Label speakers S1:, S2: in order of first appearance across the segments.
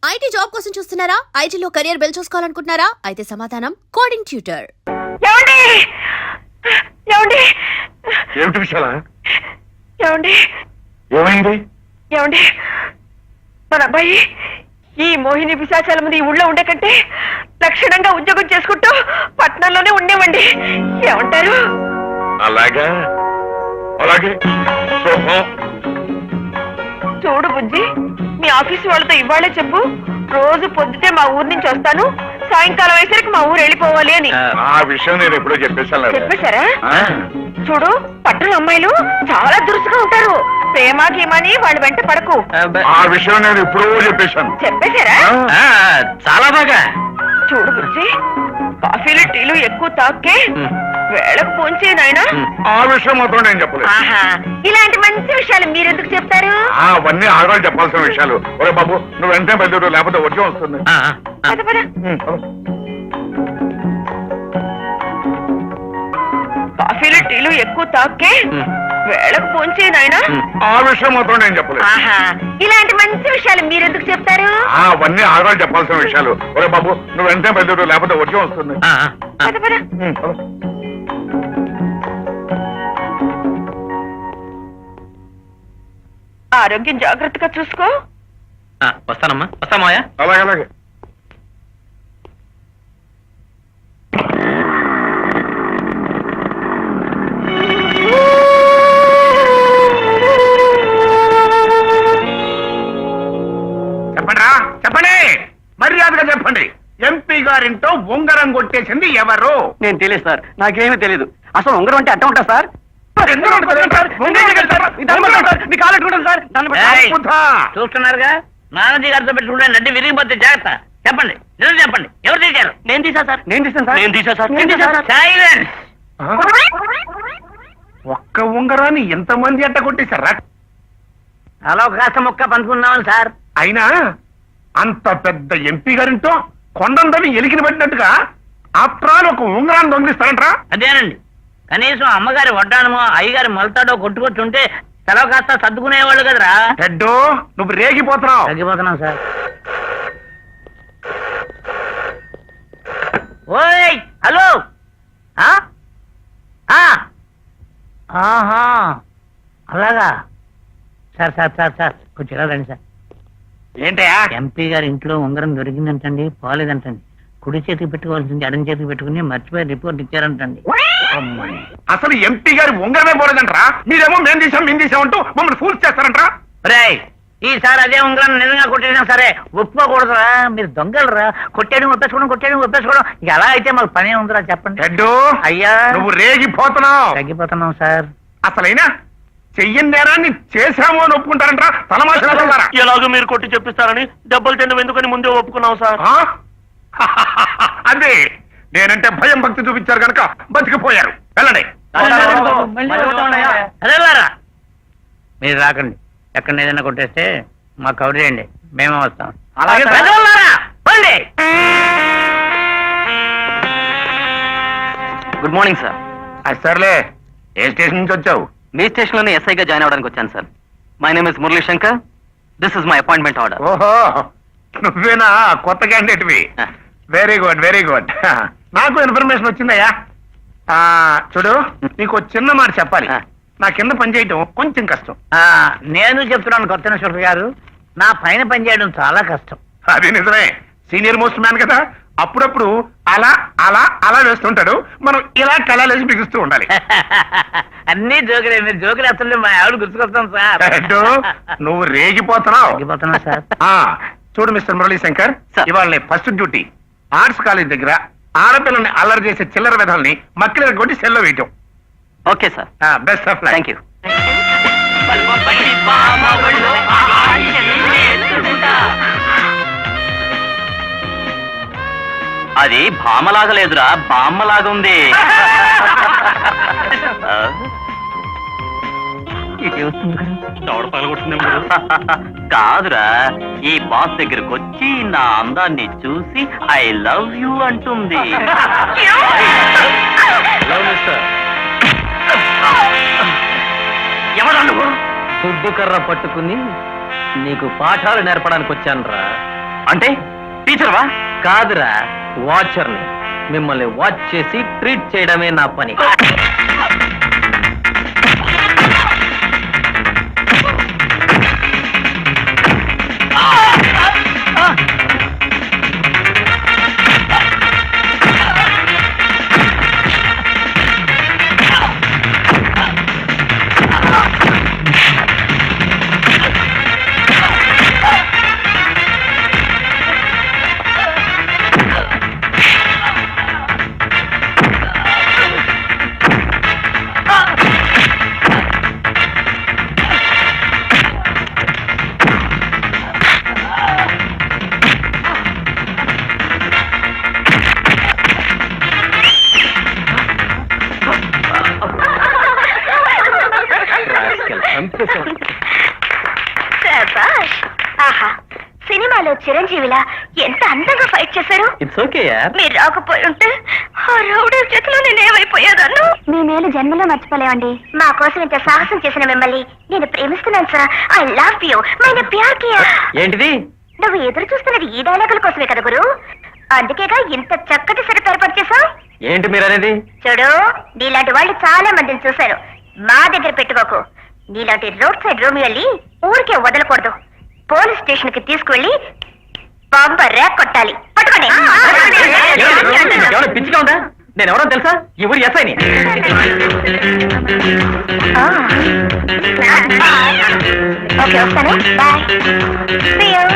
S1: IT job కోసం చూస్తున్నారా? ఐటీలో కెరియర్ బిల్డ్ చూసుకోవాలనుకుంటున్నారా? అయితే సమాధానం కోడింగ్ ట్యూటర్.
S2: ఏమిటి విషయాలా?
S3: ఏమైంది?
S4: మన అబ్బాయి ఈ మోహిని పిశాచాల ముందు ఈ ఊళ్ళో ఉండే కంటే లక్షణంగా ఉద్యోగం చేసుకుంటూ పట్నంలోనే ఉండేవండి. ఏమంటారు?
S2: అలాగే
S4: చూడు బుజ్జి, మీ ఆఫీసు వాళ్ళతో ఇవాళే చెప్పు, రోజు పొద్దుటే మా ఊరు నుంచి వస్తాను, సాయంకాలం అయ్యేసరికి మా ఊరు వెళ్ళిపోవాలి అని.
S2: ఆ విషయం నేను ఎప్పుడో చెప్పేశాను.
S4: చెప్పేశారా? చూడు, పట్టణ అమ్మాయిలు చాలా దురుసుగా ఉంటారు. ప్రేమ గీమని వాళ్ళ వెంట పడకు.
S2: ఆ విషయం నేను ఎప్పుడో చెప్పేశాను.
S4: చెప్పేశారా?
S3: చాలా బాగా.
S4: చూడు బుజ్జి, కాఫీలు టీలు ఎక్కువ తాకే వేళకు పోంచే నాయనా.
S2: ఆ విషయం మాత్రం నేను చెప్పలేదు.
S4: ఇలాంటి మంచి విషయాలు మీరెందుకు చెప్తారు?
S2: అవన్నీ ఆడవాళ్ళు చెప్పాల్సిన విషయాలు. ఒరే బాబు, నువ్వు వెంటనే బయలుదేరు, లేకపోతే వచ్చి వస్తుంది.
S4: పద పద. కాఫీలు టీలు ఎక్కువ తాకే వేళకు పోంచే నాయనా.
S2: ఆ విషయం మాత్రం నేను చెప్పలేదు.
S4: ఇలాంటి మంచి విషయాలు మీరెందుకు చెప్తారు?
S2: అవన్నీ ఆడవాళ్ళు చెప్పాల్సిన విషయాలు. ఒరే బాబు, నువ్వు వెంటనే బయలుదేరు, లేకపోతే వచ్చి వస్తుంది.
S4: పద పద. ఆరోగ్యం జాగ్రత్తగా చూసుకో.
S3: వస్తానమ్మా. వస్తామాయా?
S2: అలాగే. చెప్పండి, మర్యాదగా చెప్పండి. ఎంపీ గారింటో ఉంగరం కొట్టేసింది ఎవరు?
S3: నేను తెలియదు సార్, నాకేమీ తెలీదు. అసలు ఉంగరం అంటే అట్ట ఉంటా సార్? చూస్తున్నారుగా, నానాజీ గారితో పెట్టుకుంటే నడ్డి విరిగిపోతే జాగ్రత్త. చెప్పండి, నిజం చెప్పండి, ఎవరు తీశారు? నేను తీశాను సార్. నేను తీసా సార్. సైలెన్స్.
S2: ఒక్క ఉంగరాన్ని ఎంతమంది అట్ట కొట్టేశారా?
S3: అలా కాస్త మొక్క పంచుకున్నామని సార్.
S2: అయినా అంత పెద్ద ఎంపీ గారింటో కొండందని ఎలికిని పట్టినట్టుగా ఆఫ్టర్ ఆల్ ఒక ఉంగరాన్ని దొంగిలిస్తారంట్రా?
S3: అదేనండి, కనీసం అమ్మగారి వడ్డానమో అయ్యగారి మొలతాడో కొట్టుకొచ్చుంటే సెలవు కాస్త సర్దుకునేవాళ్ళు కదరా.
S2: హెడ్డు, నువ్వు రేగిపోతున్నావు.
S3: తగ్గిపోతున్నాం సార్. ఓయ్ హలో. ఆహా, అలాగా సార్. కొంచెం ఎలా రండి సార్.
S2: ఏంటయా?
S3: ఎంపీ గారి ఇంట్లో ఉంగరం దొరికిందంటండి, పోలేదంటండి. కుడి చేతికి పెట్టుకోవాల్సింది ఎడం చేతికి పెట్టుకుని మర్చిపోయి రిపోర్ట్ ఇచ్చారంటండి.
S2: అసలు ఎంపీ గారి ఉంగరమే పోలేదంట్రా. మీరేమో మేము తీసామంటూ మమ్మల్ని ఫూల్ చేస్తారంట్రా.
S3: రేయ్, ఈసారి అదే ఉంగరం నిజంగా కొట్టేసినా సరే ఒప్పుకోకూడదురా. మీరు దొంగలరా. కొట్టేయడం ఒప్పేసుకోవడం ఇక ఎలా అయితే మాకు పనే ఉందిరా. చెప్పండి.
S2: హెడ్డు,
S3: అయ్యా,
S2: నువ్వు రేగిపోతున్నావు.
S3: తగ్గిపోతున్నాం సార్.
S2: అసలైనా చెయ్యని నేరాన్ని చేశామో అని ఒప్పుకుంటారంట్రా. తలమాషారా?
S5: ఎలాగో మీరు కొట్టి చెప్పిస్తారని డబ్బులు తినడం ఎందుకని ముందే ఒప్పుకున్నాం సార్.
S2: అదే, నేనంటే భయం భక్తి చూపించారు కనుక బతికిపోయారు. వెళ్ళండి.
S3: అదేలారా, మీరు రాకండి. ఎక్కడ ఏదైనా కొట్టేస్తే మాకు కవర్ చేయండి, మేమే వస్తాం.
S2: అలాగే.
S5: Good morning sir.
S2: సర్లే, ఏ స్టేషన్ నుంచి వచ్చావు?
S5: మీ స్టేషన్ లోనే ఎస్ఐగా జాయిన్ అవడానికి వచ్చాను sir. My name is Murali Shankar. This is my appointment order.
S2: ఓహో, నువ్వేనా కొత్త క్యాండిడేట్వి? Very good. నాకు ఇన్ఫర్మేషన్ వచ్చిందయ్యా. చూడు, నీకు చిన్న మాట చెప్పాలి. నా కింద పనిచేయటం కొంచెం కష్టం.
S3: నేను చెప్తున్నాను కొత్త ఇన్స్పెక్టర్ గారు, నా పైన పనిచేయడం చాలా కష్టం.
S2: అది నిజమే. సీనియర్ మోస్ట్ మ్యాన్ కదా, అప్పుడప్పుడు అలా అలా అలా వేస్తుంటాడు. మనం ఇలా కళాలేసి బిగుస్తూ ఉండాలి.
S3: అన్ని జోకులే. మీరు జోకులు అసలు మా ఆవిడ గుర్తుకొస్తాం సార్.
S2: నువ్వు రేగిపోతున్నావు.
S3: సార్.
S2: చూడు మిస్టర్ మురళీ శంకర్, ఇవాళ ఫస్ట్ డ్యూటీ ఆర్ట్స్ కాలేజ్ దగ్గర ఆడపిల్లని అల్లరి చేసే చిల్లర విధాలని మక్కిల కొట్టి సెల్లో వేయటం.
S5: Okay sir.
S2: Best of luck.
S5: Thank you. అది భామలాగా లేదురా, బామ్మలాగా ఉంది. కాదురా, ఈ బాస్ దగ్గరకు వచ్చి నా అందాన్ని చూసి ఐ లవ్ యూ అంటుంది. ఎవరా నువ్వు?
S3: దుడ్డు కర్ర పట్టుకుని నీకు పాఠాలు నేర్పడానికి వచ్చాను రా.
S5: అంటే టీచర్వా?
S3: కాదురా, వాచర్ని. మిమ్మల్ని వాచ్ చేసి ట్రీట్ చేయడమే నా పని.
S4: శభాష్. ఆహా, సినిమాలో చిరంజీవిలా ఎంత అందంగా ఫైట్ చేశారు.
S3: ఇట్స్ ఓకే యార్.
S4: మీరు రాకపోయి ఉంటే ఆ రౌడీ చేతిలో నేనేమైపోయేదాన్ని. మీ మేలు జన్మలో మర్చిపోలేవండి. మా కోసం ఇంత సాహసం చేసిన మిమ్మల్ని నేను ప్రేమిస్తున్నాను సార్. I love you. మైన ప్యార్ కియా.
S3: ఏంటిది?
S4: నువ్వు ఎదురు చూస్తున్నది ఈ డైలాగుల కోసమే కదా గురు. అందుకేగా ఇంత చక్కటి సెటప్ ఏర్పాటు చేశావు.
S3: ఏంటి మీరు అనేది?
S4: చూడు, నీలాంటి వాళ్ళు చాలా మందిని చూశారు. మా దగ్గర పెట్టుకోకు. నీలాంటి రోడ్ సైడ్ రోమియోల్ని ఊరికే వదలకూడదు. పోలీస్ స్టేషన్ కి తీసుకువెళ్ళి బాంబ ర్యాక్ కొట్టాలి. పట్టుకోండి.
S3: ఎవరో పిచ్చిగా ఉందా? నేను ఎవరో తెలుసా? ఈ ఊరి ఎస్ఐని.
S4: ఓకే, వస్తాను. బాయ్. See you.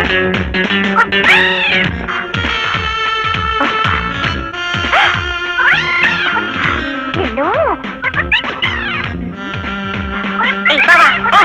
S4: నిన్ను. ఏయ్, బావా.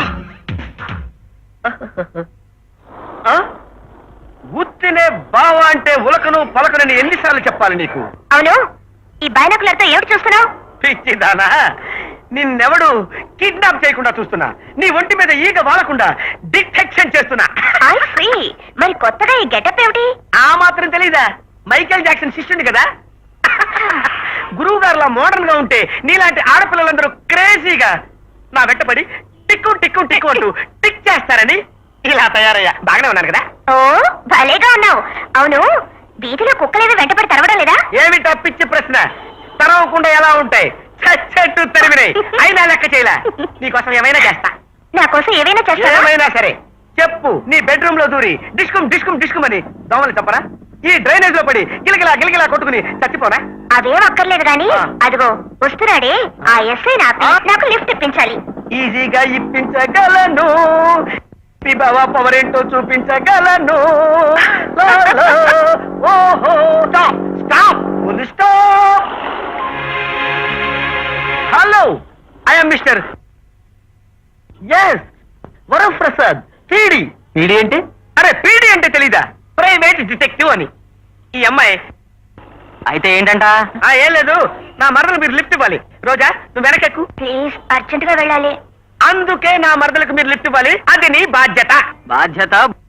S3: గుర్తినే బావా అంటే ఉలకను పలకనని ఎన్నిసార్లు చెప్పాలి నీకు?
S4: అవును, ఈ బైనాకులర్ తో ఏమిటి చూస్తున్నావు?
S3: పిచ్చిదానా, నిన్నెవడు కిడ్నాప్ చేయకుండా చూస్తున్నా. నీ ఒంటి మీద ఈగ వాలకుండా డిటెక్షన్ చేస్తున్నా.
S4: I see. మరి కొత్తగా ఈ గెటప్ ఏమిటి?
S3: ఆ మాత్రం తెలీదా? మైకేల్ జాక్సన్ శిష్యుడు కదా. గురువు గారులా మోడర్న్ గా ఉంటే నీలాంటి ఆడపిల్లలందరూ క్రేజీగా నా వెంటపడి టిక్కు టిక్కు టిక్కు అంటూ టిక్ చేస్తారని ఇలా తయారయ్యా. బాగానే ఉన్నాను కదా?
S4: ఓ, భలేగా ఉన్నావు. అవును, వీధిలో కుక్కలేవి వెంటపడి తరవడం లేదా?
S3: ఏమిటా పిచ్చి ప్రశ్న? తరవకుండా ఎలా ఉంటాయి? చచ్చెట్టు తరిమినాయి. అయినా లెక్క చేయలే. నీకోసం ఏమైనా చేస్తా.
S4: నా కోసం ఏవైనా చేస్తావా?
S3: ఏమైనా సరే చెప్పు. నీ బెడ్రూమ్ లో దూరి డిస్కుమ్ డిస్కుమ్ డిస్కుమ్ అని దోమలు చెప్పరా? ఈ డ్రైనేజ్ లో పడి గిలగిలా గిలగిలా కొట్టుకుని చచ్చిపోనా?
S4: అవేం అక్కర్లేదు గాని అదిగో వస్తున్నాడే ఆ ఎస్ఐ నాకు లిఫ్ట్ ఇప్పించాలి.
S3: ఈజీగా ఇప్పించగలను. మీ బావ పవర్ ఏంటో చూపించగలను. ఓహో, stop stop stop. Hello, I'm mister S Varaprasad P D. P D అంటే? అరే, పీడి అంటే తెలీదా? ప్రైవేట్ డిటెక్టివ్ అని. ఈ అమ్మాయి
S5: అయితే ఏంటంట?
S3: ఏం లేదు, నా మరదలు మీరు లిఫ్ట్ ఇవ్వాలి. రోజా, నువ్వు వెనకెక్కు.
S4: ప్లీజ్, అర్జెంట్ గా వెళ్ళాలి.
S3: అందుకే నా మరదలకు మీరు లిఫ్ట్ ఇవ్వాలి. అది నీ బాధ్యత.
S5: బాధ్యత?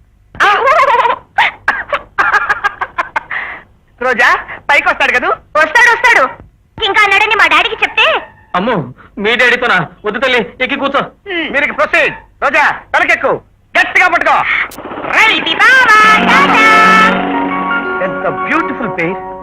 S3: రోజా, పైకి వస్తాడు కదూ?
S4: వస్తాడు వస్తాడు. ఇంకా అన్నాడని మా డాడీకి చెప్తే.
S3: అమ్ము, మీ డాడీతోనా? వద్దు తల్లి, ఎక్కి కూర్చో. మీరు ప్రొసీడ్. రోజా, తలకెక్కు, గట్టిగా పట్టుకో.
S4: బావా, టాటా.
S3: ఎంత బ్యూటిఫుల్ పేర్.